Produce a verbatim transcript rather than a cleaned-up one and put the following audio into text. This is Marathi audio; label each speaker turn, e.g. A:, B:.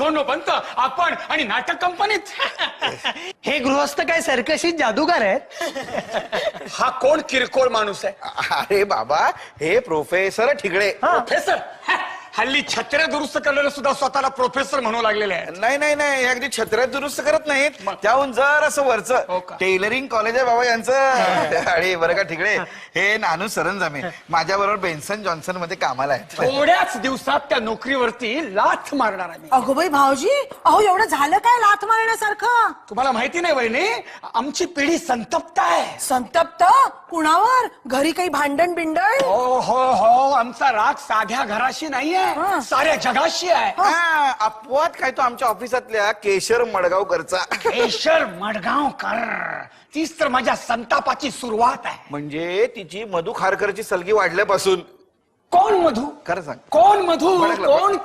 A: दोन बनत आपण आणि नाटक कंपनीत.
B: हे गृहस्थ काय सर्कशीत जादूगार आहेत?
A: हा कोण किरकोळ माणूस आहे?
C: अरे बाबा हे प्रोफेसर ठिगळे.
A: प्रोफेसर? हल्ली छत्र्या दुरुस्त करणारे सुद्धा स्वतःला प्रोफेसर म्हणू लागलेले आहेत.
C: नाही नाही नाही, अगदी छत्र्यात दुरुस्त करत नाहीत, त्याहून जर असं
A: हो
C: वरचं
A: का?
C: टेलरिंग कॉलेज आहे बाबा यांचं. आणि बरं का ठिगळे, हे नानू सरंजामे माझ्या बरोबर बेन्सन जॉन्सन मध्ये कामाला आहेत.
A: थोड्याच दिवसात त्या नोकरीवरती लाथ मारणार आहे मी.
D: अगो बाई भाऊजी, अहो एवढं झालं काय लाथ मारण्यासारखं?
A: तुम्हाला माहिती नाही वहिनी, आमची पिढी संतप्त आहे.
D: संतप्त कुणावर? घरी काही भांडण बिंडण?
A: हो हो हो, आमचा राग साध्या घराशी नाहीये, साऱ्या जगाशी आहे.
C: हा, अपवाद काय तो आमच्या ऑफिसातल्या केशर मडगावकरचा.
A: केशर मडगावकर, तीच तर माझ्या संतापाची सुरुवात आहे.
C: म्हणजे तिची मधु खारकरची सलगी वाढल्यापासून.
A: कोण मधू?
C: खरं सांग.
A: कोण मधू?
C: भडकलं.
A: कोण